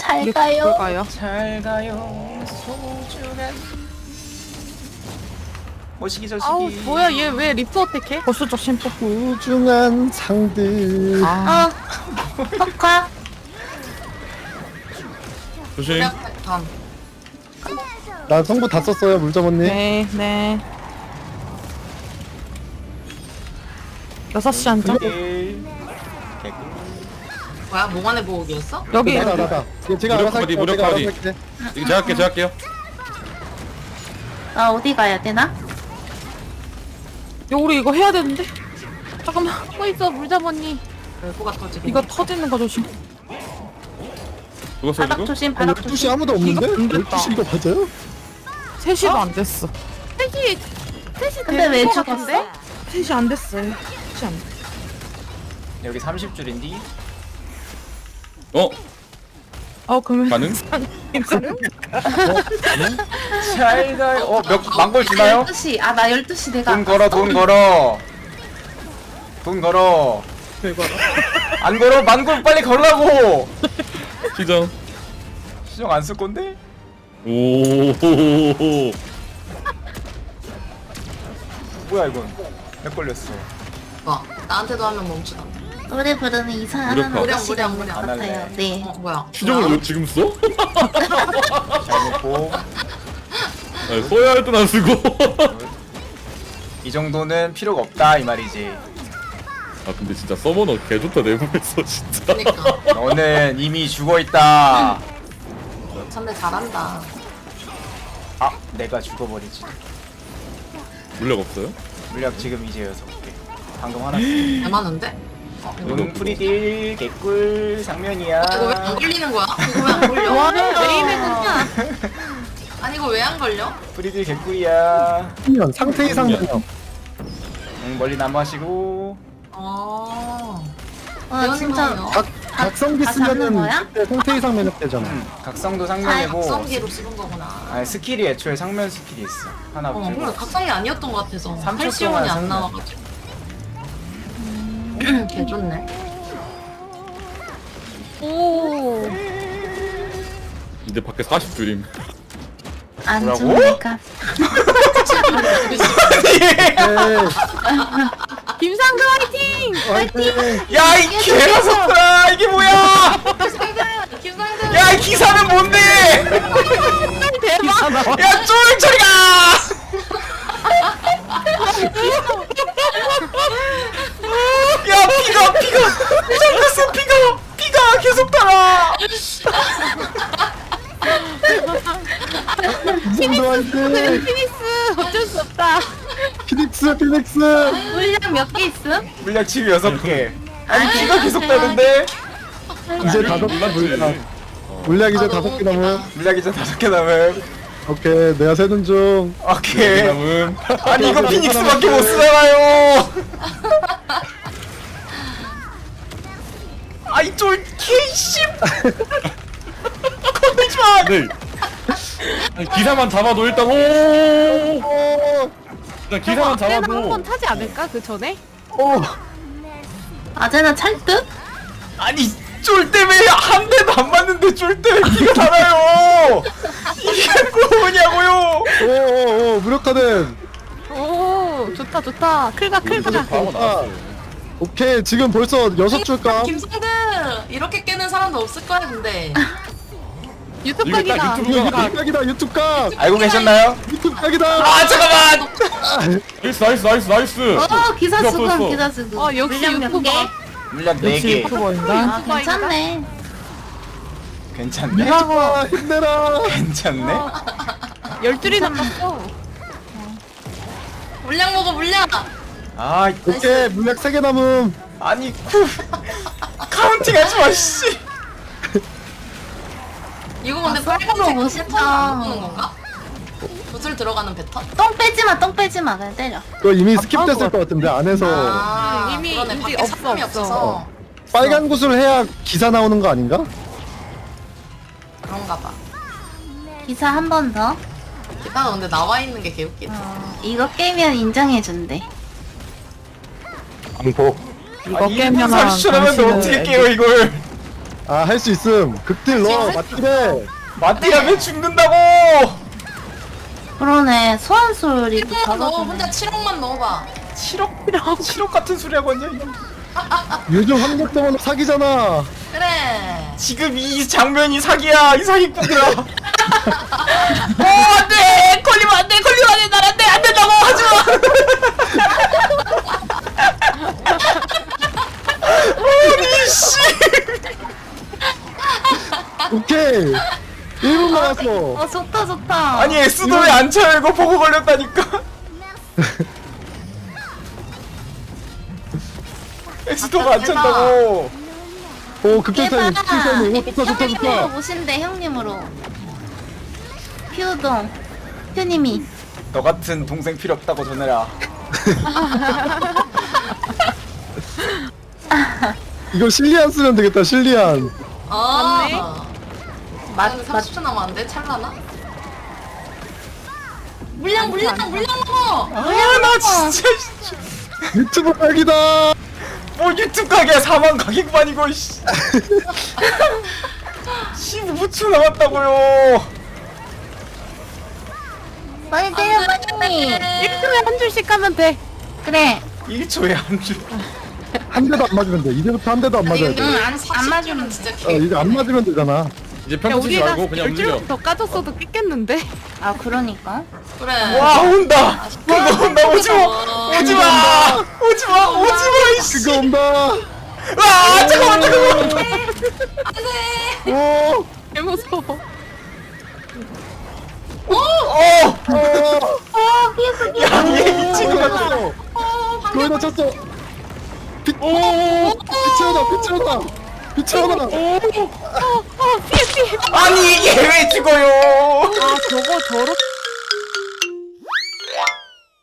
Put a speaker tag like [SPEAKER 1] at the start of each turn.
[SPEAKER 1] 잘 가요.
[SPEAKER 2] 가요?
[SPEAKER 3] 잘 가요 소중한 모시기 저시기.
[SPEAKER 2] 아우 뭐야 얘 왜 리프 어택해? 보수적 심포.
[SPEAKER 4] 소중한 상들.
[SPEAKER 2] 아
[SPEAKER 1] 덕화.
[SPEAKER 5] 조심.
[SPEAKER 6] 단.
[SPEAKER 4] 나 성부 다 썼어요 물점 언니.
[SPEAKER 2] 네. 6시 한점
[SPEAKER 3] 개꿀.
[SPEAKER 6] 뭐야? 몽환의 보호기였어?
[SPEAKER 2] 여기
[SPEAKER 4] 나다. 제가
[SPEAKER 5] 무력
[SPEAKER 4] 알아서
[SPEAKER 5] 커버리,
[SPEAKER 4] 할게요.
[SPEAKER 5] 무력
[SPEAKER 4] 제가 알아서
[SPEAKER 5] 커버리.
[SPEAKER 4] 할게.
[SPEAKER 5] 이거 제가 할게요.
[SPEAKER 1] 나 어디 가야 되나?
[SPEAKER 2] 야, 우리 이거 해야 되는데. 잠깐만 하고 있어 물잡언니.
[SPEAKER 6] 별거가 터지고.
[SPEAKER 2] 이거 터지는 거 조심.
[SPEAKER 5] 누가 써
[SPEAKER 1] 바닥
[SPEAKER 5] 이거?
[SPEAKER 1] 조심,
[SPEAKER 4] 아니,
[SPEAKER 1] 바닥
[SPEAKER 4] 12시
[SPEAKER 1] 조심.
[SPEAKER 4] 아무도 없는데?
[SPEAKER 2] 이거 안 됐다.
[SPEAKER 4] 12시 이거 맞아요?
[SPEAKER 2] 3시도 안 됐어. 3시
[SPEAKER 1] 근데 왜 죽었어?
[SPEAKER 2] 3시 안 됐어요. 3시 안 됐어.
[SPEAKER 3] 여기 30줄인디.
[SPEAKER 2] 그러면
[SPEAKER 5] 가능?
[SPEAKER 2] 괜찮은?
[SPEAKER 3] 잘 가요. 몇 망골 주나요?
[SPEAKER 1] 12시. 아, 나 12시 내가.
[SPEAKER 3] 돈 걸어 돈 걸어. 돈 걸어. 안 걸어? 만골 빨리 걸라고.
[SPEAKER 5] 시정.
[SPEAKER 3] 시정 안 쓸 건데?
[SPEAKER 5] 오.
[SPEAKER 3] 뭐야 이건? 몇 걸렸어?
[SPEAKER 6] 뭐? 나한테도 하면 멈추다.
[SPEAKER 1] 노래 부르는 이상한
[SPEAKER 5] 무력화.
[SPEAKER 1] 아저씨가 있는 것
[SPEAKER 3] 안
[SPEAKER 1] 같아요.
[SPEAKER 3] 할래.
[SPEAKER 1] 네.
[SPEAKER 6] 뭐야?
[SPEAKER 5] 시정을 왜 지금 써?
[SPEAKER 3] 잘 먹고.
[SPEAKER 5] 아니, 써야 할 땐 안 쓰고.
[SPEAKER 3] 이 정도는 필요가 없다 이 말이지.
[SPEAKER 5] 아 근데 진짜 서머너 개 좋다 내부에서 진짜.
[SPEAKER 6] 그니까.
[SPEAKER 3] 너는 이미 죽어 있다.
[SPEAKER 6] 참내 잘한다.
[SPEAKER 3] 아, 내가 죽어버리지.
[SPEAKER 5] 물력 없어요?
[SPEAKER 3] 물약 지금 이제 6개. 방금 하나.
[SPEAKER 6] 개 많은데?
[SPEAKER 3] 응, 프리딜 개꿀 상면이야.
[SPEAKER 6] 이거 왜 안 걸리는 거야? 이거 왜 안 걸려?
[SPEAKER 2] 와, 메인이구나.
[SPEAKER 6] 아니 이거 왜 안 걸려?
[SPEAKER 3] 프리딜 개꿀이야.
[SPEAKER 4] 상면 상태 이상 면역.
[SPEAKER 3] 응, 멀리 남아시고.
[SPEAKER 1] 와, 진짜.
[SPEAKER 4] 각성기
[SPEAKER 1] 다 잡는
[SPEAKER 4] 쓰면은
[SPEAKER 1] 거야?
[SPEAKER 4] 그때 상태 이상 면역 되잖아.
[SPEAKER 3] 각성도 상면이고.
[SPEAKER 6] 각성기로 쓰는 거구나.
[SPEAKER 3] 아니 스킬이 애초에 상면 스킬이 있어. 하나
[SPEAKER 6] 그래
[SPEAKER 3] 들고.
[SPEAKER 6] 각성이 아니었던 것 같아서
[SPEAKER 3] 3초
[SPEAKER 6] 팔시온이
[SPEAKER 3] 동안
[SPEAKER 6] 안 나와가지고. 개 좋네.
[SPEAKER 2] 오.
[SPEAKER 5] 이제 밖에 40줄임.
[SPEAKER 1] 안
[SPEAKER 3] 뭐라고?
[SPEAKER 1] 죽으니까.
[SPEAKER 4] 네.
[SPEAKER 2] 김상도 화이팅!
[SPEAKER 4] 화이팅!
[SPEAKER 3] 야, 이 개가섭다. 이게 뭐야?
[SPEAKER 6] 김상준.
[SPEAKER 3] 야, 이 기사는 뭔데?
[SPEAKER 2] 대박!
[SPEAKER 3] 야, 쫄 저리 가! 야, 피가 잠깐만 피가 계속 달아.
[SPEAKER 4] 김성도 화이팅!
[SPEAKER 2] 피닉스 어쩔 수 없다.
[SPEAKER 4] 피닉스!
[SPEAKER 1] 물량 몇 개 있음?
[SPEAKER 3] 물약 지금 6개. 아니 피가 계속 다는데?
[SPEAKER 4] 이제 5개 물약. 물약 이제 5개 남은.
[SPEAKER 3] 물약 이제 5개 남음.
[SPEAKER 4] 오케이 내가 세는 중.
[SPEAKER 3] 오케이.
[SPEAKER 5] 남은.
[SPEAKER 3] 아니 이거 피닉스밖에 못 쓰잖아요. 아이 쫄 개씨. 건들지 마.
[SPEAKER 5] 네. 아니, 기사만 잡아도 일단 오. 일단 기사만
[SPEAKER 2] 아제는
[SPEAKER 5] 잡아도.
[SPEAKER 2] 한번 타지 않을까 그 전에?
[SPEAKER 4] 오.
[SPEAKER 1] 아제나 찰듯?
[SPEAKER 3] 아니 쫄 때문에 한 대도 안 맞는데 쫄 때문에 피가 달아요. 이게 뭐냐고요?
[SPEAKER 4] 오 무력화된.
[SPEAKER 2] 오 좋다. 클가.
[SPEAKER 5] 바로 나왔어.
[SPEAKER 4] 오케이 지금 벌써 6줄까?
[SPEAKER 6] 김상준 이렇게 깨는 사람도 없을 거야 근데.
[SPEAKER 2] 유튜브
[SPEAKER 5] 이거 딱
[SPEAKER 2] 각이다.
[SPEAKER 5] 유튜브 각.
[SPEAKER 4] 유튜브 각이다 유튜브 각!
[SPEAKER 3] 알고 계셨나요?
[SPEAKER 4] 유튜브 각이다!
[SPEAKER 3] 아 잠깐만.
[SPEAKER 5] 나이스.
[SPEAKER 1] 기사
[SPEAKER 5] 필요
[SPEAKER 1] 수금,
[SPEAKER 5] 없었어.
[SPEAKER 1] 기사 수금.
[SPEAKER 2] 어, 역시
[SPEAKER 1] 물량 몇
[SPEAKER 2] 유튜버.
[SPEAKER 1] 개?
[SPEAKER 3] 물약
[SPEAKER 2] 역시
[SPEAKER 3] 4개.
[SPEAKER 2] 유튜버인가?
[SPEAKER 1] 아, 괜찮네.
[SPEAKER 3] 괜찮네.
[SPEAKER 4] 유튜브야 힘내라!
[SPEAKER 3] 괜찮네.
[SPEAKER 2] 12줄이 남았어.
[SPEAKER 6] 물량 먹어 물량.
[SPEAKER 3] 아
[SPEAKER 4] 오케이 물약 3개 남음.
[SPEAKER 3] 아니 카운팅하지 마 씨.
[SPEAKER 6] 이거 근데
[SPEAKER 1] 아,
[SPEAKER 6] 빨간색
[SPEAKER 1] 서브로
[SPEAKER 6] 그
[SPEAKER 1] 멋있다.
[SPEAKER 6] 패턴 안 보는 건가? 구슬 들어가는 패턴?
[SPEAKER 1] 똥 빼지 마. 그냥 때려.
[SPEAKER 4] 그거 이미 스킵됐을 것 같은데 안에서
[SPEAKER 6] 아
[SPEAKER 2] 이미
[SPEAKER 6] 그러네.
[SPEAKER 2] 인지
[SPEAKER 6] 밖에
[SPEAKER 2] 없어,
[SPEAKER 6] 사람이
[SPEAKER 2] 없어.
[SPEAKER 6] 없어서.
[SPEAKER 4] 빨간 구슬 해야 기사 나오는 거 아닌가?
[SPEAKER 6] 그런가 봐.
[SPEAKER 1] 기사 한 번 더.
[SPEAKER 6] 기타가 근데 나와 있는 게 개웃기다.
[SPEAKER 1] 이거 깨면 인정해준대.
[SPEAKER 4] 방폭.
[SPEAKER 2] 이거
[SPEAKER 3] 아니
[SPEAKER 2] 깨면
[SPEAKER 3] 1분 30초 남았는데 어떻게 깨요 이걸?
[SPEAKER 4] 아 할 수 있음. 극딜 넣어 맞지래.
[SPEAKER 3] 맞디라면 죽는다고.
[SPEAKER 1] 그러네. 소환 소리도
[SPEAKER 6] 7억 넣어.
[SPEAKER 1] 작아지네.
[SPEAKER 6] 혼자 7억만 넣어봐.
[SPEAKER 3] 7억 같은 소리 하고 있냐 이거.
[SPEAKER 4] 요즘 한국동은 사기잖아.
[SPEAKER 6] 그래.
[SPEAKER 3] 지금 이 장면이 사기야 이 사기꾼들아. 안돼 걸리면 안돼 걸리면 안돼 날 안돼 안 된다고 하지마. 아니 씨.
[SPEAKER 4] 오케이. 1분 남았어.
[SPEAKER 1] 어 좋다 좋다.
[SPEAKER 3] 아니 S도 왜 안 쳐요 이거 보고 걸렸다니까. S도가 안 찬다고.
[SPEAKER 4] 오 극딜 타임.
[SPEAKER 1] 대박.
[SPEAKER 4] 극딜 타임. 오 좋다 좋다
[SPEAKER 1] 형님으로
[SPEAKER 4] 좋다.
[SPEAKER 1] 모신대 형님으로. 퓨동. 퓨님이.
[SPEAKER 3] 너 같은 동생 필요 없다고 전해라.
[SPEAKER 4] 이거 실리안 쓰면 되겠다. 실리안.
[SPEAKER 2] 맞네.
[SPEAKER 6] 맞 30초 남았는데 찰나나? 물량 먹어.
[SPEAKER 3] 아나 진짜
[SPEAKER 4] 유튜브 각이다.
[SPEAKER 3] 뭐 유튜브 가게야 4만 가격반이고 씨. 15초 남았다고요.
[SPEAKER 1] 빨리 때려 빨리.
[SPEAKER 2] 1초에 한 줄씩 가면 돼.
[SPEAKER 1] 그래.
[SPEAKER 3] 1초에 한 줄.
[SPEAKER 4] 한 대도 안 맞으면 돼. 이제부터 한 대도 안 맞아야 돼.
[SPEAKER 1] 안 맞으면
[SPEAKER 6] 진짜
[SPEAKER 4] 이제 안 맞으면 되잖아.
[SPEAKER 5] 이제
[SPEAKER 2] 야,
[SPEAKER 5] 평소 치지
[SPEAKER 2] 우리가
[SPEAKER 5] 말고 그냥 움직여.
[SPEAKER 2] 10줄 더 까졌어도 깼겠는데?
[SPEAKER 1] 아 그러니까.
[SPEAKER 6] 그래.
[SPEAKER 3] 와 온다. 그거 온다 오지마 오지마 오지마 오지마 이씨.
[SPEAKER 4] 그거 온다.
[SPEAKER 3] 아 잠깐만 잠깐만.
[SPEAKER 6] 안돼.
[SPEAKER 4] 오.
[SPEAKER 2] 개 무서워.
[SPEAKER 3] 야얘 미친 거 같아.
[SPEAKER 4] 거의 다 찼어. 빛 채워다. 빛 채워다. 빛 채워다.
[SPEAKER 2] 피해.
[SPEAKER 3] 아니 이게 왜 죽어요?
[SPEAKER 2] 아, 저거 저렇게